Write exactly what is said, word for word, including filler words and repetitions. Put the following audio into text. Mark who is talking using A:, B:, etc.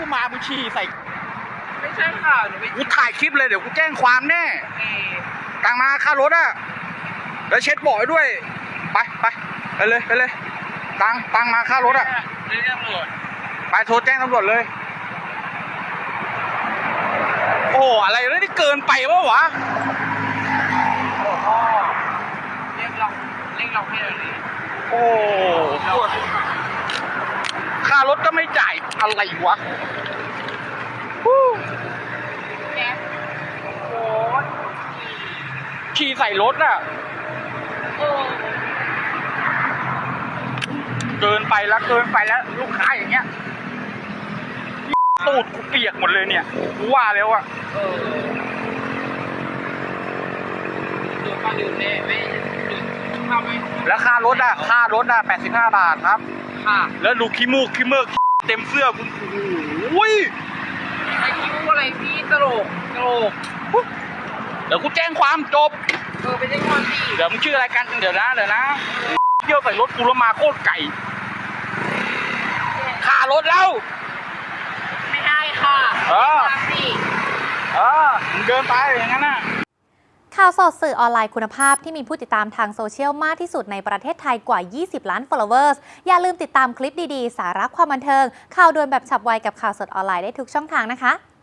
A: มามึงฉี่ใส่
B: ไม่ใช่ค่ะหนูไป
A: กูถ่ายคลิปเลยเดี๋ยวกูแจ้งความแน่ตังมาค่ารถอ่ะแล้วเช็ดบ่อยด้วยไปไปไปเลยไปเลยตังตังมาค่ารถอ่ะ
B: เรียกตำรวจ
A: ไปโทรแจ้งตำรวจเลยโอ้อะไรนี่เกินไปวะวะ
B: โอ้พ่อเรียกเราเรียกเราให้เราเลย
A: โอ้ค่ารถก็ไม่จ่ายอะไรวะ
B: แก๊สโอ้
A: ขี่ใส่รถอ่ะเกินไปแล้วเกินไปแล้วลูกค้าอย่างเงี้ยตูดกูเปียกหมดเลยเนี่ยกูว่าแล้วอ่ะ
B: เออดูค่าดื่มเนี่ยไม่ดื่มข้าวไหม
A: แล้วค่ารถอ่ะค่ารถอ่ะแปดสิบห้าบาทครับ
B: ค่ะ
A: แล้วดูขี้มูกขี้เมือกเต็มเสื้อคุณโอ้ย
B: ไอ้คิ้วอะไรพี่ตลกตลก
A: เดี๋ยวกูแจ้งความจบ
B: เออไปแจ้งความสิ
A: เดี๋ยวมึงชื่ออะไรกันเดี๋ยวนะเดี๋ยวนะเที่ยวใส่รถกูแล้วมาโคตรไก่ค่ารถแล้ว
B: ไม่ได้ค่ะ
A: เออเออมึงเดินไปอย่างนั้นน่ะ
C: ข่าวสดสื่อออนไลน์คุณภาพที่มีผู้ติดตามทางโซเชียลมากที่สุดในประเทศไทยกว่ายี่สิบล้าน followers อย่าลืมติดตามคลิปดีๆสาระความบันเทิงข่าวด่วนแบบฉับไวกับข่าวสดออนไลน์ได้ทุกช่องทางนะคะ